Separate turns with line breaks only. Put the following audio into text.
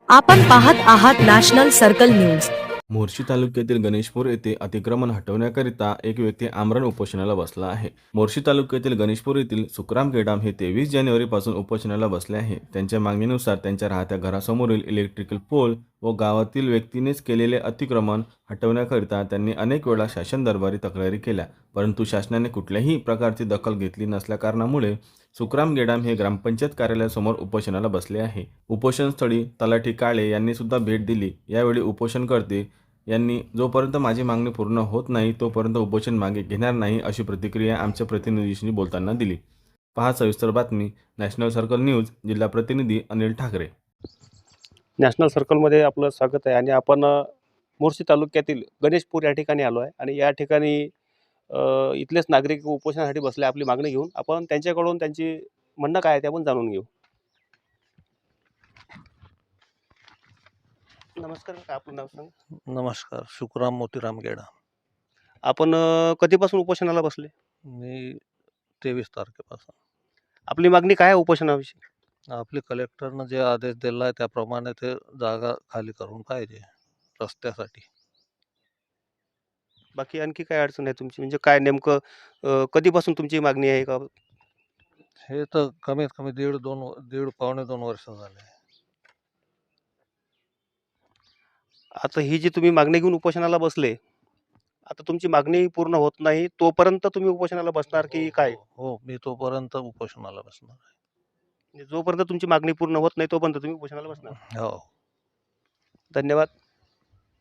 आपण पाहत आहात नॅशनल सर्कल न्यूज।
मोर्शी तालुक्यातील गणेशपूर येथे अतिक्रमण हटवण्याकरिता एक व्यक्ती आमरण उपोषणाला बसला आहे। मोर्शी तालुक्यातील गणेशपूर येथील सुखराम गेडाम हे 23 जानेवारीपासून उपोषणाला बसले आहे। त्यांच्या मागणीनुसार त्यांच्या राहत्या घरासमोरील इलेक्ट्रिकल पोल व गावातील व्यक्तीनेच केलेले अतिक्रमण हटवण्याकरिता त्यांनी अनेक वेळा शासन दरबारी तक्रारी केल्या, परंतु शासनाने कुठल्याही प्रकारची दखल घेतली नसल्याकारणामुळे सुखराम गेडाम हे ग्रामपंचायत कार्यालयासमोर उपोषणाला बसले आहे। उपोषणस्थळी तलाठी काळे यांनी सुद्धा भेट दिली। यावेळी उपोषणकर्ते यांनी जोपर्यंत माझी मागणी पूर्ण होत नाही तोपर्यंत उपोषण मागे घेणार नाही अशी प्रतिक्रिया आमच्या प्रतिनिधीशी बोलताना दिली। पहा सविस्तर बातमी। नॅशनल सर्कल न्यूज, जिल्हा प्रतिनिधी अनिल ठाकरे।
नॅशनल सर्कलमध्ये आपलं स्वागत आहे आणि आपण मोर्शी तालुक्यातील गणेशपूर या ठिकाणी आलो आहे आणि या ठिकाणी इथलेच नागरिक उपोषणासाठी बसले आपली मागणी घेऊन। आपण त्यांच्याकडून त्यांची म्हणणं काय आहे ते आपण जाणून घेऊ। नमस्कार, काय आपलं नाव सांग?
नमस्कार, शुकराम मोतीराम गेडा।
आपण कधीपासून उपोषणाला बसले?
मी 23 तारखेपासून।
आपली मागणी काय आहे उपोषणाविषयी?
आपले कलेक्टरनं जे आदेश दिला आहे त्याप्रमाणे ते जागा खाली करून पाहिजे रस्त्यासाठी।
बाकी आणखी काय अडचण आहे तुमची, म्हणजे काय नेमकं कधीपासून तुमची मागणी आहे का?
हे तर कमीत कमी दीड पावणे 2 वर्ष झाले।
आता ही जी तुम्ही मागणी घेऊन उपोषणाला बसले, आता तुमची मागणी पूर्ण होत नाही तोपर्यंत तुम्ही उपोषणाला बसणार की काय?
हो, मी तोपर्यंत उपोषणाला बसणार आहे।
म्हणजे जोपर्यंत तुमची मागणी पूर्ण होत नाही तोपर्यंत तुम्ही उपोषणाला बसणार?
हो।
धन्यवाद।